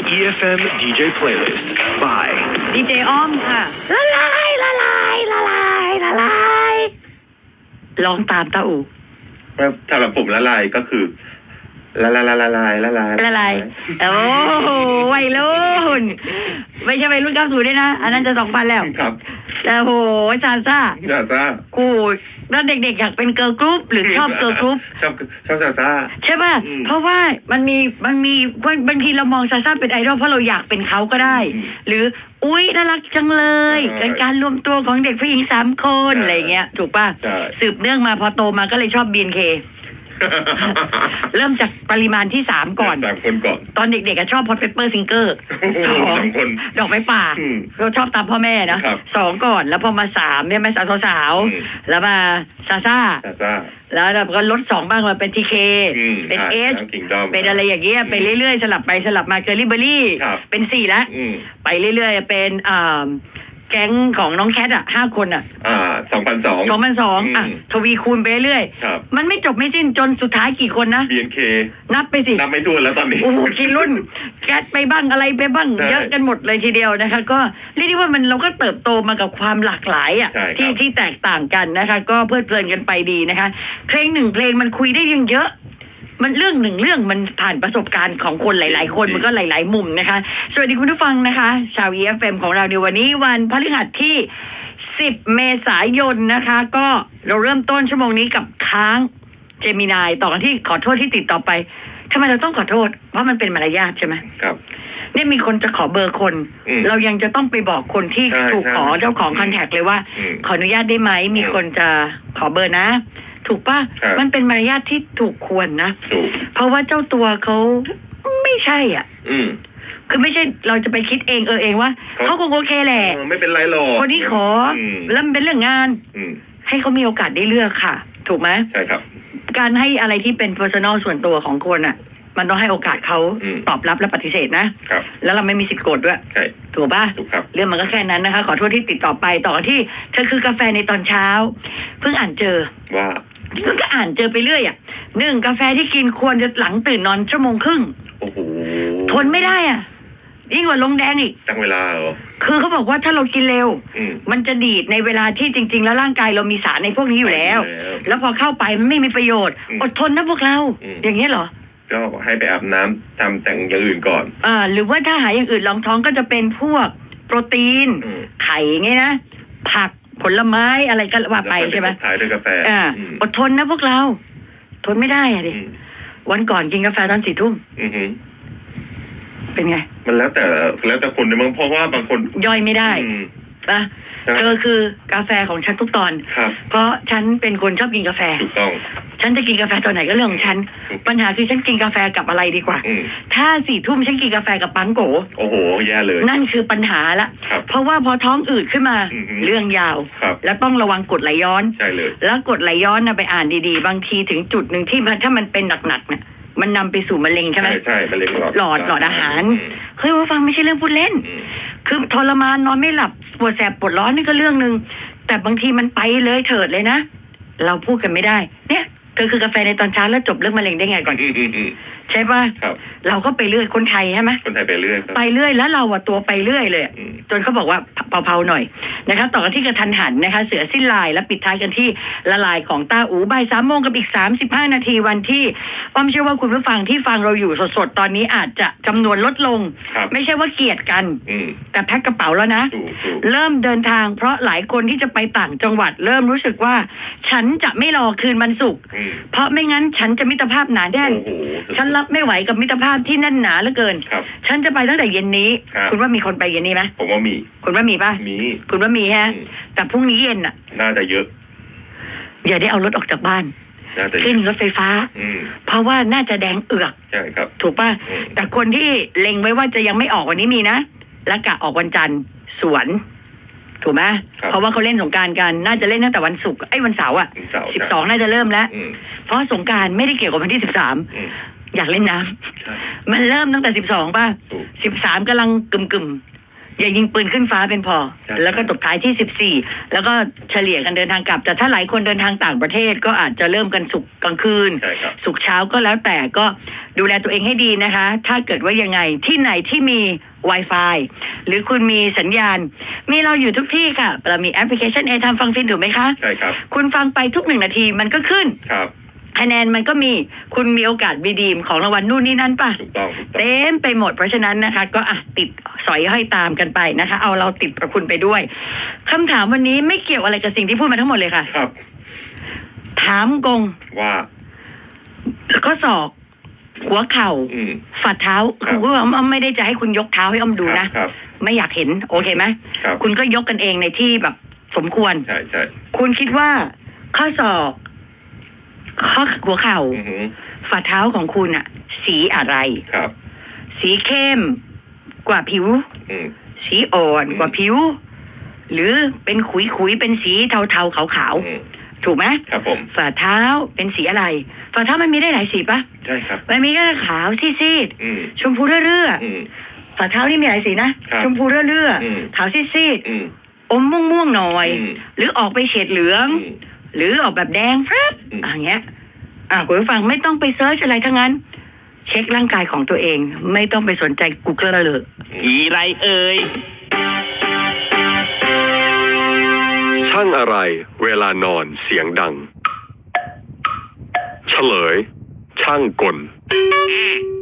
EFM DJ Playlist by ดีเจอ้อมค่ะละลายละลายละลายละลายร้องตามตาอูสำหรับผมละลายก็คือละลายละลายละลายละลายโอ้โหวัยรุ่นไม่ใช่วัยรุ่น90ด้วยนะอันนั้นจะ2000แล้วครับแต่โหซาซ่ากูแล้วเด็กๆอยากเป็นเกิร์ลกรุ๊ปหรือชอบเกิร์ลกรุ๊ปชอบซาซ่าใช่ป่ะเพราะว่ามันมีบางทีเรามองซาซ่าเป็นไอดอลเพราะเราอยากเป็นเขาก็ได้หรืออุ๊ยน่ารักจังเลยการรวมตัวของเด็กผู้หญิง3 คนอะไรเงี้ยถูกป่ะสืบเนื่องมาพอโตมาก็เลยชอบ BNK เริ่มจากปริมาณที่3ก่อน 3 คนก่อนตอนเด็กๆชอบพอตเปเปอร์ซิงเกอร์2 คนดอกไม้ป่าเราชอบตามพ่อแม่นะ2ก่อนแล้วพอมา3เนี่ยมาสาวแล้วมาซาซ่าแล้วก็ลด2บ้างมาเป็นทีเคเป็นเอชเป็นอะไรอย่างเงี้ยไปเรื่อยๆสลับไปสลับมาเกอร์ลี่เบอร์รี่เป็น4แล้วไปเรื่อยๆเป็นแก๊งของน้องแคท5 คน2002ทวีคูณไปเรื่อยมันไม่จบไม่สิ้นจนสุดท้ายกี่คนนะ BNK นับไปสินับไม่ถ้วนแล้วตอนนี้โอ้โหกี่รุ่นแคทไปบ้างอะไรไปบ้างเยอะกันหมดเลยทีเดียวนะคะก็เรียกได้ว่าเราก็เติบโตมากับความหลากหลายที่แตกต่างกันนะคะก็เพลิดเพลินกันไปดีนะคะเพลง1 เพลงมันคุยได้ยังเยอะมันเรื่อง1 เรื่องมันผ่านประสบการณ์ของคนหลายๆคนมันก็หลายๆมุมนะคะสวัสดีคุณผู้ฟังนะคะชาว EFM ของเราในวันนี้วันพฤหัสที่10 เมษายนนะคะก็เราเริ่มต้นชั่วโมงนี้กับค้างเจมินายต่อกันที่ขอโทษที่ติดต่อไปทำไมเราต้องขอโทษเพราะมันเป็นมารยาทใช่ไหมครับเนี่ยมีคนจะขอเบอร์คนเรายังจะต้องไปบอกคนที่ถูกขอเจ้าของคอนแทคเลยว่าขออนุญาตได้ไหมมีคนจะขอเบอร์นะถูกป่ะมันเป็นมารยาทที่ถูกควรนะเพราะว่าเจ้าตัวเขาไม่ใช่คือไม่ใช่เราจะไปคิดเองว่าเขาคงโอเคแหละไม่เป็นไรหรอกคนนี้ขอแล้วมันเป็นเรื่องงานให้เขามีโอกาสได้เลือกค่ะถูกไหมใช่ครับการให้อะไรที่เป็น personal ส่วนตัวของคนมันต้องให้โอกาสเขาตอบรับและปฏิเสธนะแล้วเราไม่มีสิทธิ์โกรธด้วยใช่ถูกป่ะถูกครับเรื่องมันก็แค่นั้นนะคะขอโทษที่ติดต่อไปต่อที่เธอคือกาแฟในตอนเช้าเพิ่งอ่านเจอว่าเพิ่งก็อ่านเจอไปเรื่อย1 กาแฟที่กินควรจะหลังตื่นนอน1.5 ชั่วโมงโอ้โหทนไม่ได้ยิ่งกว่าลงแดงอีกตั้งเวลาเหรอคือเขาบอกว่าถ้าเรากินเร็วมันจะดีดในเวลาที่จริงๆแล้วร่างกายเรามีสารในพวกนี้อยู่แล้วแล้วพอเข้าไปมันไม่มีประโยชน์อดทนนะพวกเราอย่างนี้เหรอก็ให้ไปอาบน้ำทำแต่งอย่างอื่นก่อนหรือว่าถ้าหาอย่างอื่นรองท้องก็จะเป็นพวกโปรตีนไข่ไงนะผักผลไม้อะไรก็ว่าไปใช่ไหมขายด้วยกาแฟอดทนนะพวกเราทนไม่ได้ดิวันก่อนกินกาแฟตอน4 ทุ่มเป็นไงมันแล้วแต่คนเนี่ยเพราะว่าบางคนย่อยไม่ได้นะเธอคือกาแฟของฉันทุกตอนเพราะฉันเป็นคนชอบกินกาแฟถูกต้องฉันจะกินกาแฟตอนไหนก็เรื่องของฉันปัญหาคือฉันกินกาแฟกับอะไรดีกว่าถ้า4 ทุ่มฉันกินกาแฟกับปังโกโอ้โหแย่เลยนั่นคือปัญหาละเพราะว่าพอท้องอืดขึ้นมาเรื่องยาวแล้วต้องระวังกรดไหลย้อนใช่เลยแล้วกรดไหลย้อนไปอ่านดีๆบางทีถึงจุดหนึ่งที่ถ้ามันเป็นหนักๆเนี่ยมันนำไปสู่มะเร็งใช่ไหมใช่มะเร็งหลอดอาหารเฮ้ยว่าฟังไม่ใช่เรื่องพูดเล่นคือทรมานนอนไม่หลับปวดแสบปวดร้อนนี่ก็เรื่องนึงแต่บางทีมันไปเลยเถิดเลยนะเราพูดกันไม่ได้เนี่ยเธอคือกาแฟในตอนเช้าแล้วจบเรื่องมะเร็งได้ไงก่อนใช่ป่ะเราก็ไปเรื่อยคนไทยใช่ไหมคนไทยไปเรื่อยแล้วเราตัวไปเรื่อยเลยจนเขาบอกว่าเผาๆหน่อยนะคะต่อกันที่กระทันหันนะคะเสือสิ้นลายและปิดท้ายกันที่ละลายของต้าอู๋บ่าย 3 โมงกับอีก35 นาทีวันที่อ้อมเชื่อว่าคุณผู้ฟังที่ฟังเราอยู่สดๆตอนนี้อาจจะจำนวนลดลงไม่ใช่ว่าเกลียดกันแต่แพ็คกระเป๋าแล้วนะเริ่มเดินทางเพราะหลายคนที่จะไปต่างจังหวัดเริ่มรู้สึกว่าฉันจะไม่รอคืนวันศุกร์เพราะไม่งั้นฉันจะมิตรภาพหนาแน่นฉันรับไม่ไหวกับมิตรภาพที่แน่นหนาเหลือเกินฉันจะไปตั้งแต่เย็นนี้คุณว่ามีคนไปเย็นนี้ไหมผมว่ามีคุณว่ามีป่ะมีคุณว่ามีฮะแต่พรุ่งนี้เย็นน่าจะเยอะอย่าได้เอารถออกจากบ้านขึ้นรถไฟฟ้าเพราะว่าน่าจะแดงเอือกใช่ครับถูกป่ะแต่คนที่เล็งไว้ว่าจะยังไม่ออกวันนี้มีนะและกะออกวันจันทร์สวนถูกไหมเพราะว่าเขาเล่นสงกรานต์กันน่าจะเล่นตั้งแต่วันศุกร์วันเสาร์12น่าจะเริ่มแล้วเพราะสงกรานต์ไม่ได้เกี่ยวกับวันที่13อยากเล่นน้ำมันเริ่มตั้งแต่12ป่ะ13กำลังกึ่มอย่ายิงปืนขึ้นฟ้าเป็นพอ แล้วก็ตบท้ายที่14แล้วก็เฉลี่ยกันเดินทางกลับแต่ถ้าหลายคนเดินทางต่างประเทศก็อาจจะเริ่มกันศุกร์กลางคืนใช่ครับศุกร์เช้าก็แล้วแต่ก็ดูแลตัวเองให้ดีนะคะ ถ้าเกิดว่ายังไงที่ไหนที่มี Wi-Fi หรือคุณมีสัญญาณ มีเราอยู่ทุกที่ค่ะ เรามีแอปพลิเคชัน A-Time ฟังฟินถูกไหมคะใช่ครับคุณฟังไปทุก1 นาทีมันก็ขึ้นครับคะแนนมันก็มีคุณมีโอกาสบีดีมของรางวัลนู่นนี่นั่นป่ะถูกต้องถูกต้องเต็มไปหมดเพราะฉะนั้นนะคะ ก็ติดสอยห้อยตามกันไปนะคะ เอาเราติดประคุณไปด้วยคำถามวันนี้ไม่เกี่ยวอะไรกับสิ่งที่พูดมาทั้งหมดเลยค่ะครับถามกงว่าข้อศอก หัวเข่า ฝ่าเท้าครับคือว่าอ้อมไม่ได้จะให้คุณยกเท้าให้อ้อมดูนะครับไม่อยากเห็นโอเคไหมครับคุณก็ยกกันเองในที่แบบสมควรใช่ใช่คุณคิดว่าข้อศอกข้อหัวเข่าอือหือฝ่าเท้าของคุณอะสีอะไรครับสีเข้มกว่าผิวอืมสีอ่อนกว่าผิว หรือเป็นขุยๆเป็นสีเทาๆขาวอืมๆถูกไหมครับผมฝ่าเท้าเป็นสีอะไร ฝ่าเท้ามันมีได้หลายสีปะใช่ครับมันมีก็ขาวซีดอืมๆชมพูเรื่ออืมๆฝ่าเท้านี่มีหลายสีนะครับ ชมพูเรื่ออืมๆขาวซีดอืมๆอมม่วงๆหน่อยอืมหรือออกไปเฉดเหลืองอืมหรือออกแบบแดงแฟบอืมอย่างเงี้ยคุณผู้ฟังไม่ต้องไปเซิร์ชอะไรทั้งนั้น เช็คร่างกายของตัวเอง ไม่ต้องไปสนใจ Google เลยผีไรเอ่ยช่างอะไรเวลานอนเสียงดัง เฉลย ช่างกล